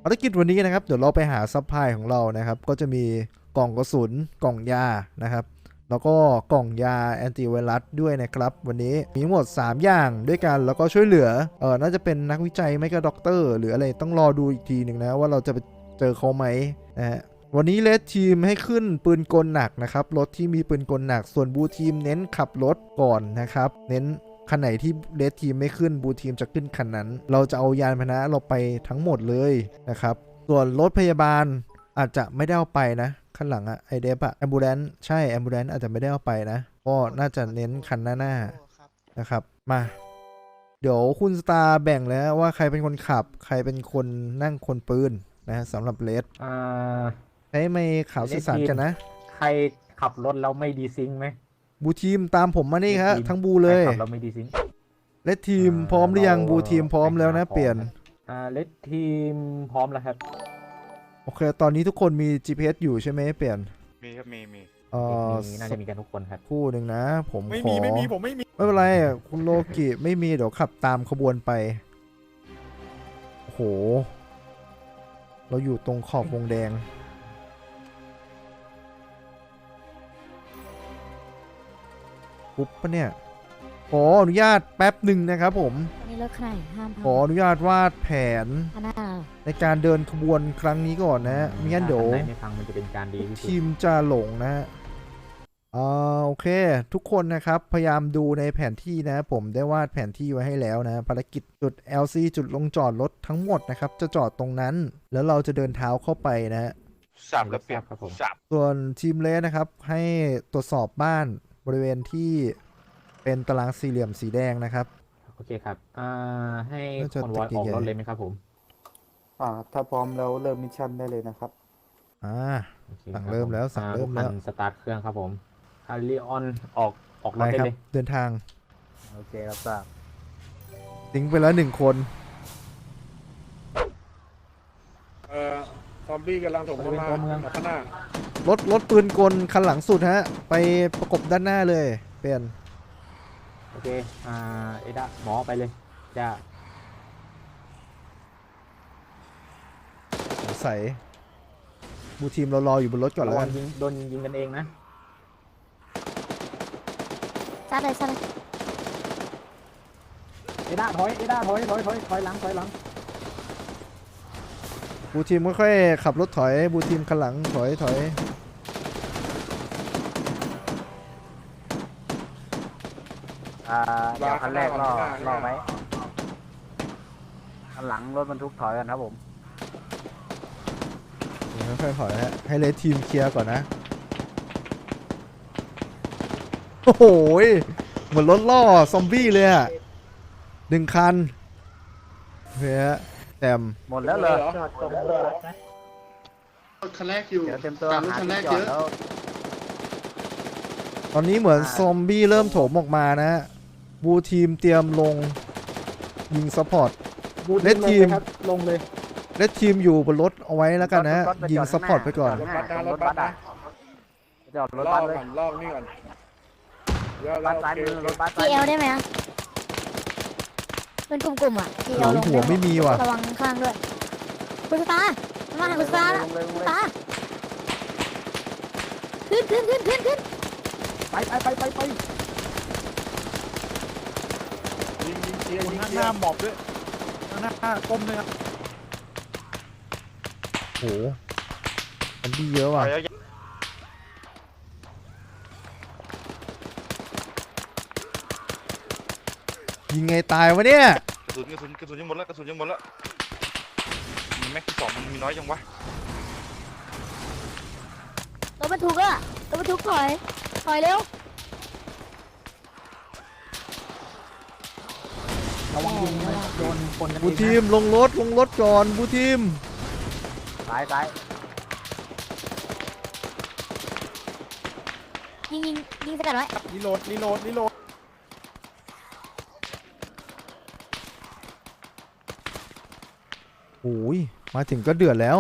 ภารกิจวันนี้นะครับเดี๋ยวเราไปหาซัพพลายของเรานะครับก็จะมีกล่องกระสุนกล่องยานะครับแล้วก็กล่องยาแอนติไวรัสด้วยนะครับวันนี้มีทั้งหมด3อย่างด้วยกันแล้วก็ช่วยเหลือน่าจะเป็นนักวิจัยไม่ก็ด็อกเตอร์หรืออะไรต้องรอดูอีกทีหนึ่งนะว่าเราจะไปเจอเขาไหมนะฮะวันนี้เลดทีมให้ขึ้นปืนกลหนักนะครับรถที่มีปืนกลหนักส่วนบูทีมเน้นขับรถก่อนนะครับเน้นคันไหนที่เรดทีมไม่ขึ้นบูทีมจะขึ้นคันนั้นเราจะเอายานพาหนะเราไปทั้งหมดเลยนะครับส่วนรถพยาบาลอาจจะไม่ได้เอาไปนะข้างหลังอะไอเดฟอะแอมบูเลนซ์ใช่แอมบูเลนซ์อาจจะไม่ได้เอาไปนะก็น่าจะเน้นคันหน้านะครับมาเดี๋ยวคุณสตาร์แบ่งแล้วว่าใครเป็นคนขับใครเป็นคนนั่งคนปืนนะสำหรับเลดใช้ไม่ข่าวสื่อสารกันนะใครขับรถแล้วไม่ดีซิงไหมบูทีมตามผมมานี่ครับทั้งบูเลยขับแล้วไม่ดีซิงเลดทีมพร้อมหรือยังบูทีมพร้อมแล้วนะเปลี่ยนเลดทีมพร้อมแล้วครับโอเคตอนนี้ทุกคนมี GPS อยู่ใช่ไหมเปลี่ยนมีครับมีน่าจะมีกันทุกคนครับคู่หนึ่งนะผมไม่ขอมีผมไม่มีไม่เป็นไรคุณโลกิไม่มีเดี๋ยวขับตามขบวนไปโอ้โหเราอยู่ตรงขอบวงแดงปุ๊บปะเนี่ยขออนุญาตแป๊บหนึ่งนะครับผมนี่รถใครห้ามขออนุญาตวาดแผนในการเดินขบวนครั้งนี้ก่อนนะไม่งั้นเดี๋ยวไม่ฟังมันจะเป็นการดีทีมจะหลงนะโอเคทุกคนนะครับพยายามดูในแผนที่นะผมได้วาดแผนที่ไว้ให้แล้วนะภารกิจจุด LC จุดลงจอดรถทั้งหมดนะครับจะจอดตรงนั้นแล้วเราจะเดินเท้าเข้าไปนะ 3แล้วเปรียบครับผมส่วนทีมเลสนะครับให้ตรวจสอบบ้านบริเวณที่เป็นตารางสี่เหลี่ยมสีแดงนะครับโอเคครับให้คนวอยออกรถเลยไหมครับผมถ้าพร้อมแล้วเริ่มมิชชั่นได้เลยนะครับสั่งเริ่มแล้วสั่งเริ่มแล้วสตาร์ทเครื่องครับผมคาริออนออกรถได้เลยเดินทางโอเครับทราบทิ้งไปแล้ว1 คนซอมบี้กำลังถมเข้ามาข้างหน้ารถปืนกลคันหลังสุดฮะไปประกบด้านหน้าเลยเปลี่ยนโอเคเอดาหมอไปเลยจ้าใส่บูทีมเรารออยู่บนรถก่อนแล้วกันโดนยิงกันเองนะซัดเลยเอดาถอยหลังบูทีมค่อยๆขับรถถอยบูทีมคันหลังถอยเดี๋ยวคันแรกรอไหมคันหลังรถบรรทุกถอยกันครับผมค่อยๆถอยฮะให้เลทีมเคลียร์ก่อนนะโอ้โหเหมือนรถล่อซอมบี้เลยอ่ะ1 คันเฮ้ยแต้มหมดแล้วเลยคันแรกอยู่เต็มตัวหาที่จอดแล้วตอนนี้เหมือนซอมบี้เริ่มโถมออกมานะบูทีมเตรียมลงยิงซัพพอร์ตเลดทีมลงเลยเลดทีมอยู่บนรถเอาไว้แล้วกันนะยิงซัพพอร์ตไปก่อนรถบัสจอดรถบัสเลยลอกนี่ก่อนบัสซ้ายมือรถบัสทีเอลได้ไหมเป็นกลุ่มอ่ะทีเอลลงหัวไม่มีว่ะระวังข้างด้วยคุณสตาร์มาคุณสตาร์ขึ้นไปยิงหน้าหมอบด้วยหน้าก้มเลยครับโหมันดีเยอะว่ะยิงไงตายวะเนี่ยกระสุนยังหมดแล้วมีแม็กที่2มันมีน้อยยังวะรถบรรทุกถอยเร็วระวังยิงโดนคนบูทีมลงรถก่อนบูทีมซ้ายยิงสกัดไว้รีโหลดโอ้ยมาถึงก็เดือดแล้ว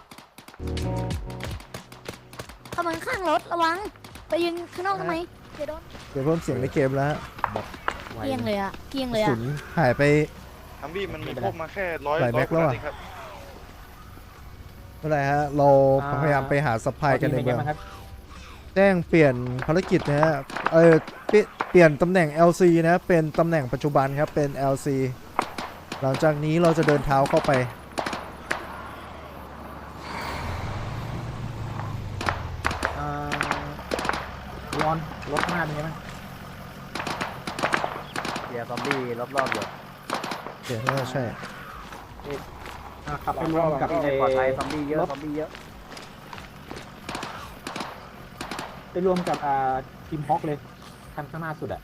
เข้ามาข้างรถระวังไปยืนข้างนอกทำไมเดี๋ยวเพิ่มเสียงในเกมแล้วเกียงเลยสุนหายไปทัมบี้มันมีพวกมาแค่100 แม็กแล้วอ่ะเมื่อไหรฮะเราพยายามไปหาซัพพลายกันในเป็นเมืไงองบ้างครับแจ้งเปลี่ยนภารกิจนะฮะเปลี่ยนตำแหน่ง LC นะเป็นตำแหน่งปัจจุบันครับเป็น LC หลังจากนี้เราจะเดินเท้าเข้าไปร้อนรถข้างหน้าเป็นไงบ้างเสียซอมบี้รอบๆอยู่เดี๋ยวน่าจะใช่ขับไปรวมกับไม่ปลอดภัยซอมบี้เยอะซอมบี้เยอะไปรวมกับทีมฮอกเลยคันข้างหน้าสุดอะ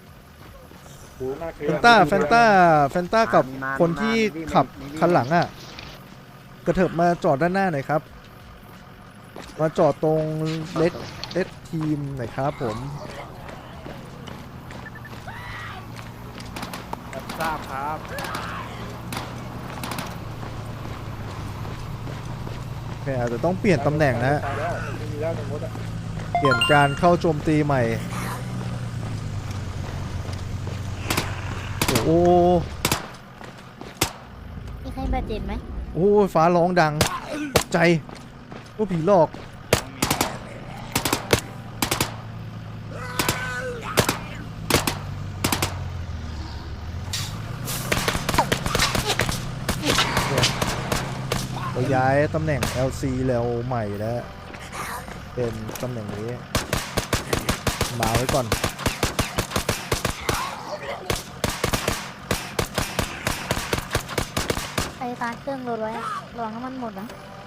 แฟนต้ากับคนที่ขับคันหลังอ่ะกระเถิบมาจอดด้านหน้าหน่อยครับมาจอดตรงเลดทีมหน่อยครับผมทราบครับโอเคอาจจะต้องเปลี่ยนตำแหน่งนะฮะตายแล้วไม่มีแล้วในมดอ่ะเปลี่ยนการเข้าโจมตีใหม่โอ้โหมีใครบาดเจ็บไหมโอ้ยฟ้าร้องดังตกใจว่าผีหลอกเราย้ายตำแหน่ง LC แล้วใหม่แล้วเป็นตำแหน่งนี้มาไว้ก่อนไอ้ตาเครื่องรถไว้อะระวังน้ำมันหมดนะ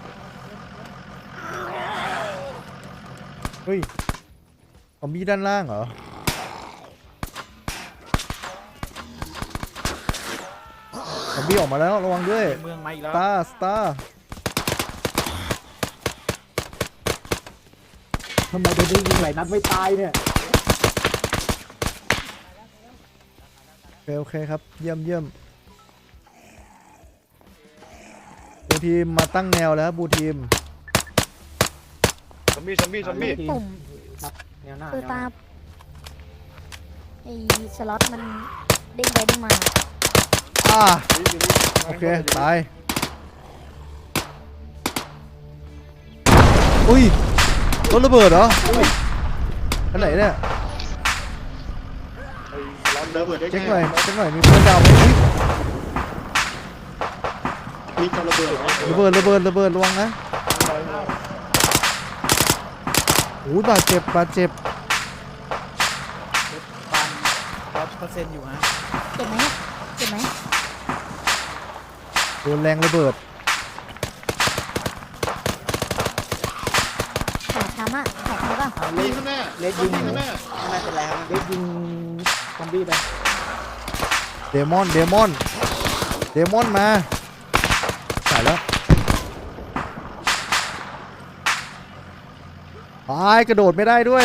เฮ้ยซอมบี้ด้านล่างเหรอซอมบี้ออกมาแล้วระวังด้วยเมืองมาอีกแล้วสตาร์ทำไมโดนยิงหลายนัดไม่ตายเนี่ยโอเคครับเยี่ยมบูทีมมาตั้งแนวแล้วบูทีมซอมบี้ซอมบี้ซอมบี้ปุ่มครับแนวหน้าคือแนวหตาน้าไอ้สล็อตมันเด้งไปเด้งมาโอเคตายอุ้ยรถระเบิดเหรออันไหนเนี่ยร้อนเดิมเหมือนเช็คหน่อยมีเพื่อนดาวไหมอุ๊ยมีการระเบิดระเบิดระวังนะโอ้ยบาดเจ็บ 100%อยู่ฮะเจ็บไหมเจ็บไหมโดนแรงระเบิดขาช้ำอะแข็งหรือเปล่ามีข้างหน้าเลดยิงข้างหน้าไม่เป็นไรครับเลดยิงซอมบี้ไปเดมอนมาตายแล้วตายกระโดดไม่ได้ด้วย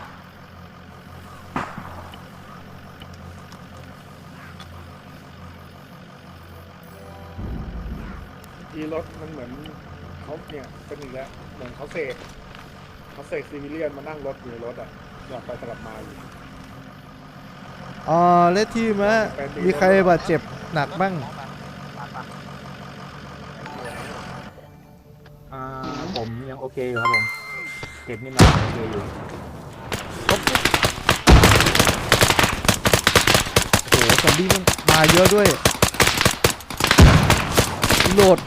ทีรถมันเหมือนเขาเนี่ยเป็นอีกแล้วเหมือนเขาเสกซีวิเลียนมานั่งรถอยู่ในรถอ่ะอยากไปสลับมาอยู่เลดทีมฮะมีใครบาดเจ็บหนักบ้างผมยังโอเคอยู่ครับผมเก็บนี่มาโอเคอยู่โอ้โหซอมบี้มันมาเยอะด้วยโหลด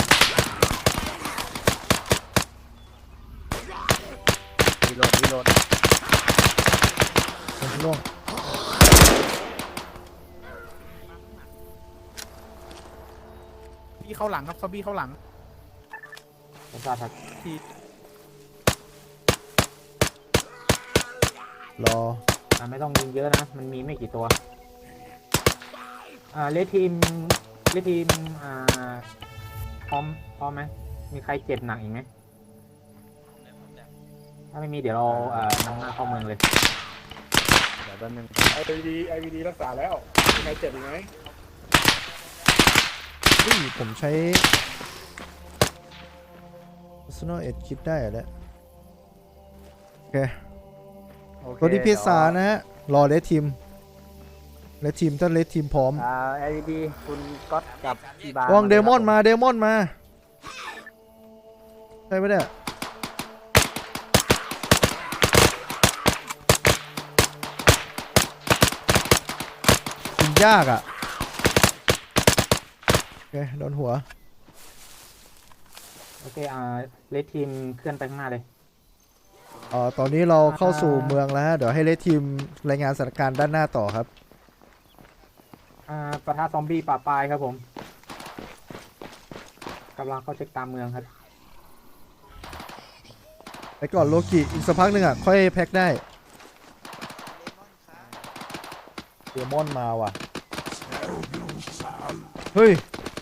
รีโหลดล่วงพี่เข้าหลังครับซอมบี้เข้าหลังผมทราบครับรอไม่ต้องยิงเยอะนะ มันมีไม่กี่ตัวเลดทีมพร้อมไหมมีใครเจ็บหนักอีกไหมถ้าไม่มีเดี๋ยวเรานำหน้าเข้าเมืองเลยเดี๋ยวแป๊บนึง IVD รักษาแล้วมีใครเจ็บอีกไหมผมใช้ personal aid kit ได้เหรอเนี่ยโอเคโอเคตัวที่พิซซ่านะฮะ รอเลดทีมถ้าเลดทีมพร้อม LED คุณก๊อตกับอีบาระวังเดมอนมาใช่ไหมเนี่ยยิงยากอ่ะโอเคโดนหัวโอเคเลดทีมเคลื่อนไปข้างหน้าเลยตอนนี้เราเข้าสู่เมืองแล้วฮะเดี๋ยวให้เลดทีมรายงานสถานการณ์ด้านหน้าต่อครับปะทะซอมบี้ป่าปลายครับผมกำลังเข้าเช็คตามเมืองครับไปก่อนโลกิอีกสักพักหนึ่งอ่ะ ค่อยแพ็คได้เดมอนมาว่ะ เฮ้ย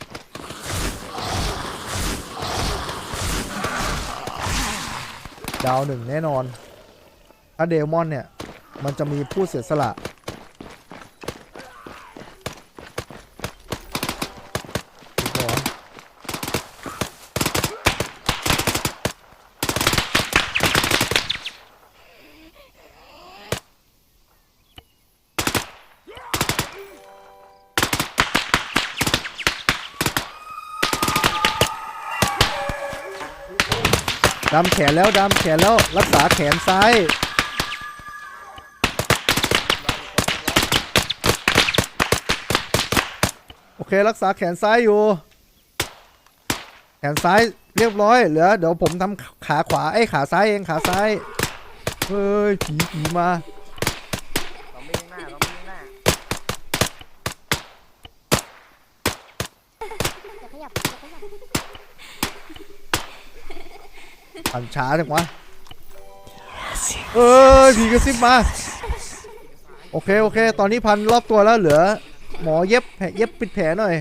ดาวหนึ่งแน่นอน ถ้าเดมอนเนี่ย มันจะมีผู้เสียสละดำแขนแล้วดำแขนแล้วรักษาแขนซ้ายโอเครักษาแขนซ้ายอยู่แขนซ้ายเรียบร้อยเหลือเดี๋ยวผมทำขาขวาไอ้ขาซ้ายเองขาซ้ายเฮ้ยผีมาเราไม่ยังหน้าเราไม่ยังหน้าอย่าขยับปั่นช้าจังวะผีกระซิบมาโอเคตอนนี้พันรอบตัวแล้วเหลือหมอเย็บแผลเย็บปิดแผลหน่อย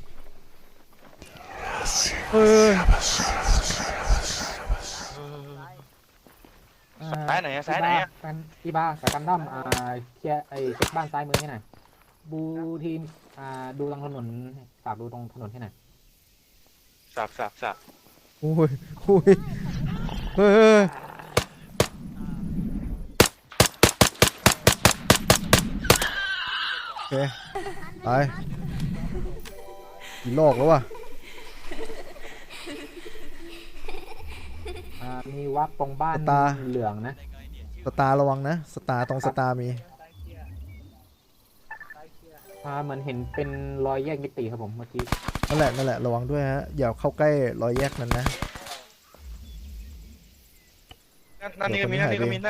ซ้ายไหนอะซ้ายไหนอะอีบากับกันดั้มเคลียร์เช็คบ้านซ้ายมือให้หน่อยบูทีมดูตรงถนนฝากดูตรงถนนให้หน่อยสับโอ้ยเฮ้ยโอเคไปกี่โลกแล้ววะมีวับตรงบ้านตาเหลืองนะสตาร์ระวังนะสตาร์ตรงสตาร์มีเหมือนเห็นเป็นรอยแยกมิติครับผมเมื่อกี้นั่นแหละระวังด้วยฮะอย่าเข้าใกล้รอยแยกนั้นนะนั่นนี่ก็มี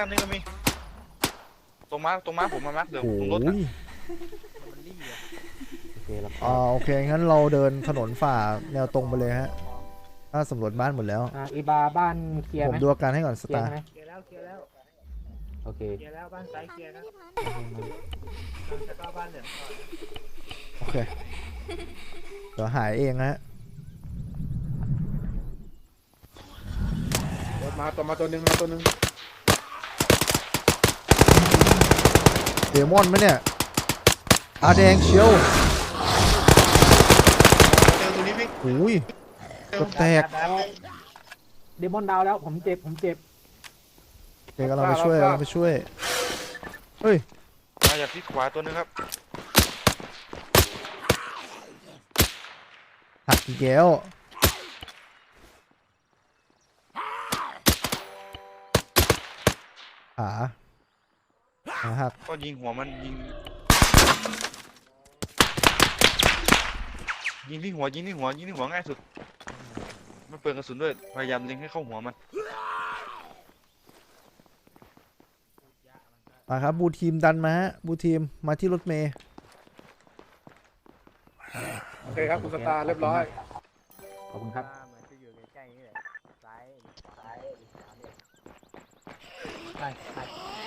ตรงม้าผมมาร์คเดี๋ยวโอ้ผมรถยโอเคแล้วโอเคงั้นเราเดินถนนฝ่าแนวตรงไปเลยฮะถ้าสำรวจบ้านหมดแล้วอีบาบ้านเคลียร์ผไหมมดูอาการให้ก่อนสเคลียตาร์ร์ไหมเคลียร์แล้วโอเคเคลียร์แล้วบ้านซ้ายเคลียร์นะพี่พันธุ์จะเข้าบ้านเหลืองก่อนโอเคเดี๋ยวหายเองฮะมาตัวหนึ่งเดมอนไหมเนี่ยตาแดงเชียวเจอตัวนี้พี่โอ้ยเกือบแตกเดมอนดาวแล้วผมเจ็บโอเคกำลังไปช่วยเฮ้ยมาจากที่ขวาตัวนึงครับหักอีกแล้วขาหักก็ยิงหัวมันยิงที่หัวง่ายสุดไม่เปลืองกระสุนด้วยพยายามเล็งให้เข้าหัวมันมาครับบูทีมดันมาฮะบูทีมมาที่รถเมย์โอเคครับคุณสตาร์เรียบร้อยขอบคุณครับเหมือนจะอยู่ใกล้ๆนี่แหละซ้ายใช่ใช่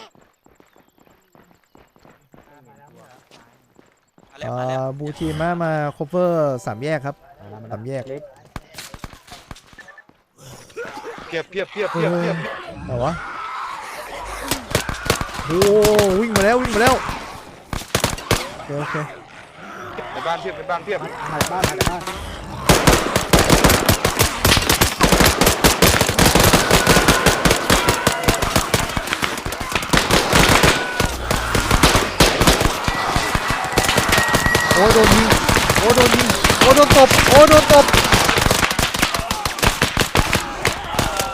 บูทีมมาคเวอร์สามแยกครับ สามแยกเล็กเพียบไหนวะโอ้วิ่งมาแล้วโอเคในบ้านเพียบมาจากบ้านโอ้โดนยิงโอ้โดนตบ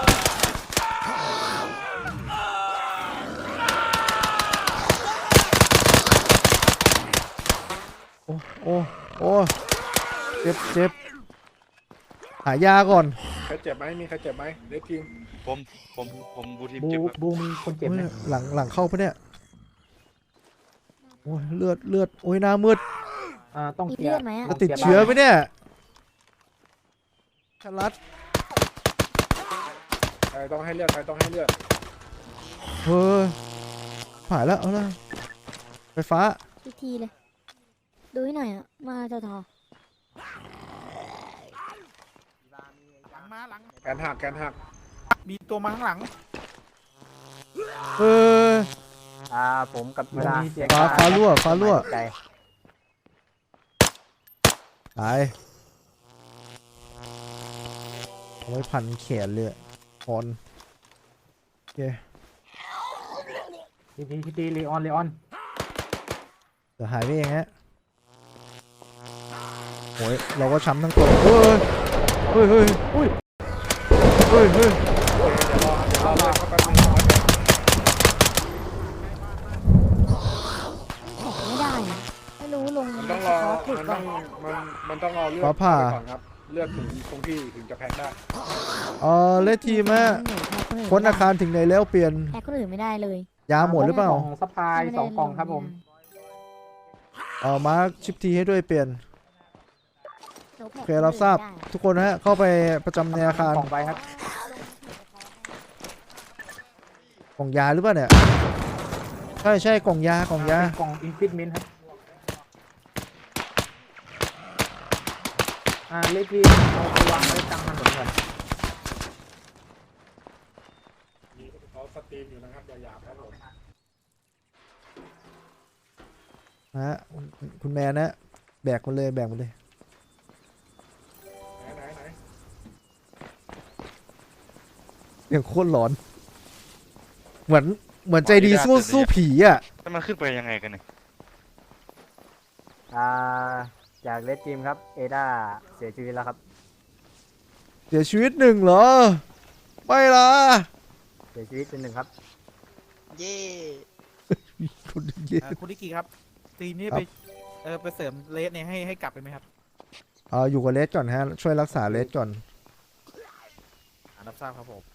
อ้เจ็บเจ็บหายาก่อนใครเจ็บไหมมีใครเจ็บไหมเด็กทีมผมบูทีมบูเจ็บครับบูมีคนเจ็บโอ้ไหมยหลังเข้าปะเนี่ยโอ้ยเลือดโอ้ยหน้ามืดต้องมีเคลียเลือร์ดไหมอะจะติดเชื้อไหมเนี่ยชลัดใครต้องให้เลือดใครต้องให้เลือดเฮ้ยผ่านแล้วเอาละไฟฟ้าอีกทีเลย ดูให้หน่อยอะมาทอทอมาหลังแกนหักแกนหักมีตัวมาข้างหลังเออผมกับเวลาฟ้ารั่วตายเอาไว้พันแขนเลยคอนโอเคทีเลออนเดี๋ยวหายไปเองฮะโอ้ยเราก็ช้ำทั้งตัวเฮ้ยเดี๋ยวรอลากเข้าไปหนึ่งไม่ได้อะไม่รู้ลงมันต้องรอหลุดมันก่ต้ออน งมันต้องรอเลือดฟ้าผ่าก่อนครับเลือดถึงคงที่ถึงจะแพ็คได้เลดทีมฮะพ้นอาคารถึงไหนแล้วเปลี่ยนแพ้คนอื่นไม่ได้เลยยาหมดหรือเปล่ากล่องซัพพลาย2 กล่องครับผมมาร์คชิปทีให้ด้วยเปลี่ยนโอโอเครับทราบทุกคนนะฮะเข้าไปประจำในอาคารกล่องไปครับกล่องยาหรือเปล่าเนี่ยใช่กล่องยากล่องยาเป็นกล่องอินฟิตเมนต์ครับเลขที่เอาไปวางไว้กลางถนนก่อนมีเขาสตรีมอยู่นะครับอย่าหยาบครับผมนะฮะคุณแมนนะแบกมันเลยไหนอย่างโคตรหลอน เหมือนใจดีสู้ผีอ่ะแล้วมันขึ้นไปยังไงกันเนี่ยจากเลดทีมครับเอดาเสียชีวิตแล้วครับเสียชีวิตหนึ่งเหรอ ไม่ล่ะเสียชีวิตเป็น1ครับเย่คุณเย็นคุณดิกิครับ ทีมนี้ครับไปเสริมเลสเนี่ยให้กลับไปไหมครับอยู่กับเลสก่อนฮะ ช่วยรักษาเลสก่อนรับทราบครับผม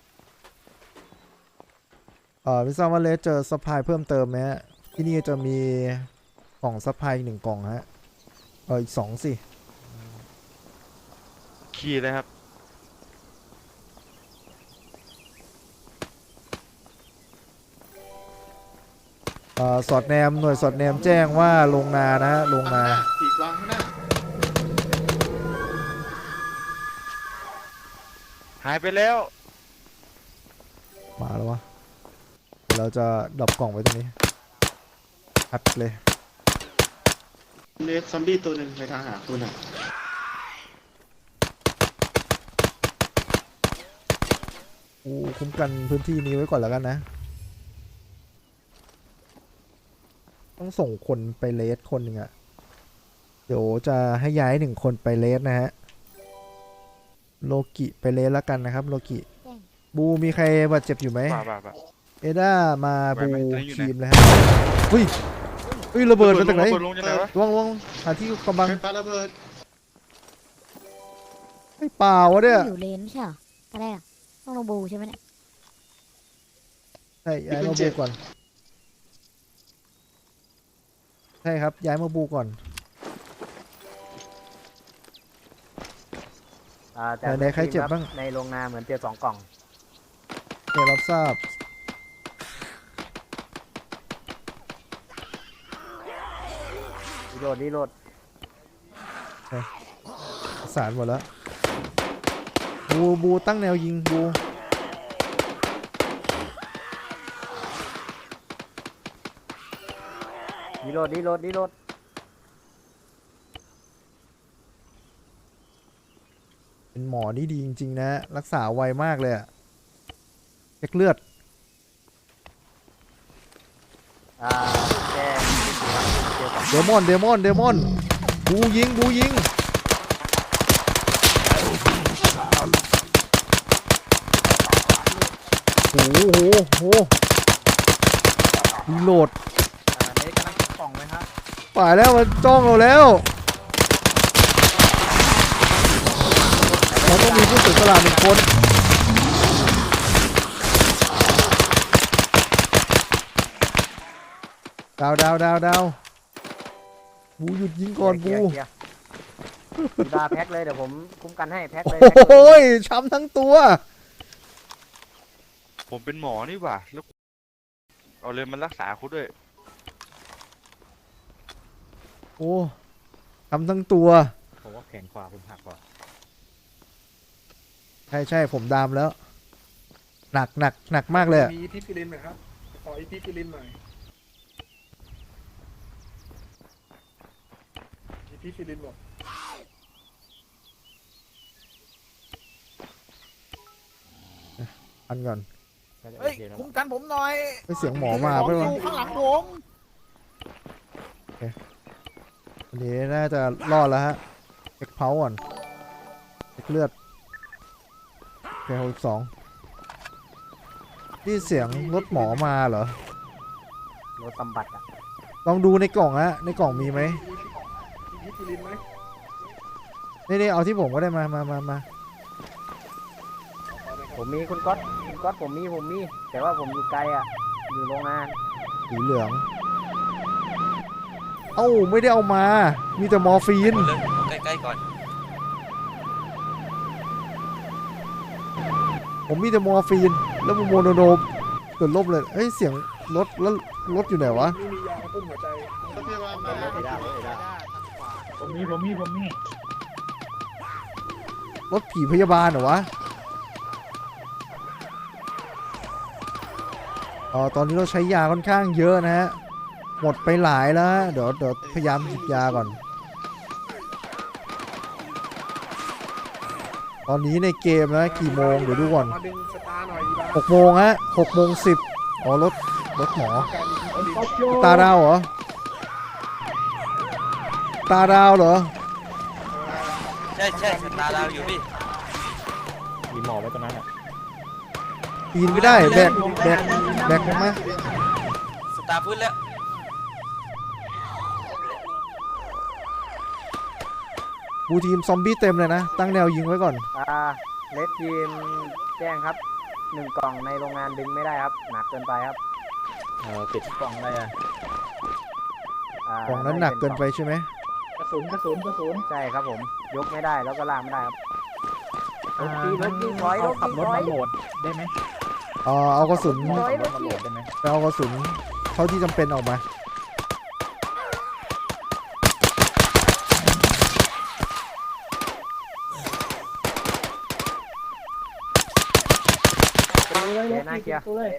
ไม่ทราบว่าเลสเจอซัพพลายเพิ่มเติมไหมฮะที่นี่จะมีกล่องซัพพลายอีก1 กล่องฮะอีก2สิขี่เลยครับสอดแนมหน่วยสอดแนมแจ้งว่าลงนานะฮะลงนาขีดวางข้างหน้าหายไปแล้วมาแล้ววะเดี๋ยวเราจะดรอปกล่องไว้ตรงนี้อัดเลยเลสซอมบี้ตัวหนึ่งไปทางหาคุณอ่ะคุ้มกันพื้นที่นี้ไว้ก่อนแล้วกันนะ ต้องส่งคนไปเลสคนหนึ่งอะเดี๋ยวจะให้ย้าย1 คนไปเลสนะฮะ โลกิไปเลสแล้วกันนะครับ โลกิบูมีใครบาดเจ็บอยู่ไหมบ้าเอด้ามาไหวบูไหมตอนนี้อยู่ไหนทีมเลยฮะเฮ้ยระเบิดมาจากไหนระเบิดลงจากไหนวะวางหาที่กำบังไฟฟ้าระเบิดไม่เปล่าวะเนี่ยอยู่เลนไม่ใช่เหรออะไรอะต้องลงบูใช่ไหมเนี่ยใช่ย้ายมาบูก่อนใช่ครับย้ายมาบูก่อน ไหนใครเจ็บบ้างในโรงนาเหมือนเจอ2 กล่องเดี๋ยวรับทราบรีโหลดสารหมดแล้วบูตั้งแนวยิงบูรีโหลดเป็นหมอนี่ดีจริงๆนะ รักษาไวมากเลยอะเช็คเลือดแจ้งเจอ2 เดมอนบูยิงโอ้โหรีโหลดเลสกำลังเก็บกล่องไว้ครับป่ายแล้วมันจ้องเราแล้วเราต้องมีผู้เสียสละหนึ่งคนดาวบูหยุดยิงก่อนบูกีฬาแพ็คเลยเดี๋ยวผมคุ้มกันให้แพ็คเลยโอ้ยช้ำทั้งตัวผมเป็นหมอนี่หว่าแล้วเอาเลยมันรักษาคุณด้วยโอ้ช้ำทั้งตัวผมว่าแขนขวาคุณหักก่อนใช่ผมดามแล้ว หนักมากเลยอะมีอีพิฟิลินไหมครับขออีพิฟิลินหน่อยอีพิฟิลินบอกอันก่อนเฮ้ยคุ้มกันผมหน่อยไปเสียงหมอมาขไปองอวะยู่ข้างหลังผมวันนี้น่าจะรอดแล้วฮะเอ็กเพาก่อนเอ็กเลือดแค่62นี่เสียงรถหมอมาเหรอรถบำบัดอ่ะลองดูในกล่องฮะในกล่องมีไหมอีพิฟิลินไหมนี่เอาที่ผมก็ได้มาผมมีคุณก๊อตผมมีแต่ว่าผมอยู่ไกลอ่ะอยู่โรงงานสีเหลือง เอ้าไม่ได้เอามา มีแต่มอร์ฟีนเลยใกล้ๆก่อนผมมีแต่มอร์ฟีน แล้วมันโมโนโดมเกิดลบเลย เฮ้ย เสียงรถแล้วรถอยู่ไหนวะไม่มียากระตุ้นหัวใจรถพยาบาลมาผมมีรถผีพยาบาลเหรอวะตอนนี้เราใช้ยาค่อนข้างเยอะนะฮะ หมดไปหลายแล้วฮะเดี๋ยวพยายามหยิบยาก่อน ตอนนี้ในเกมนะกี่โมงเดี๋ยวดูก่อนมาดึงสตาร์หน่อยดีบ้า 6 โมงฮะ6 โมง 10อ๋อรถหมอการอีพิฟิลินตาดาวเหรอ ตาดาวเหรอใช่ตาเราอยู่พี่มีหมอไว้ตรงนั้นอ่ะปีนไม่ได้แบกลงมาสตาร์พื้นแล้วบูทีมซอมบี้เต็มเลยนะ ตั้งแนวยิงไว้ก่อนเลสทีมแจ้งครับ1 กล่องในโรงงานดึงไม่ได้ครับหนักเกินไปครับติดกล่องอะไรอ่ะกล่องนั้นหนักเกินไปใช่ไหมกระสุนใช่ครับผมยกไม่ได้แล้วก็ลากไม่ได้ครับรถที่ถอยรถขับรถถอมาย โหลดได้ไหมเอากระสุนถอยรถมาโหลที่ดได้ไหมไปเอากระสุนเท่าที่จำเป็นออกมาน่าเกียร์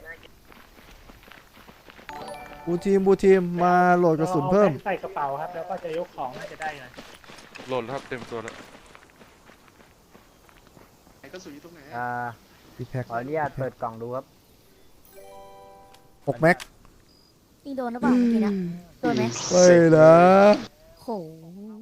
บูทีมมาโหลดกระสุนเพิ่มใส่กระเป๋าครับ แล้วก็จะยกของน่าจะได้ไงโหลดแล้วครับเต็มตัวแล้วไหนกระสุนอยู่ตรงไหนดีแพ็คขออนุญาตเปิดกล่องดูครับ 6 แม็กยิงโดนหรือเปล่าเมื่อกี้นะโดนไหมเฮ้ยนะโห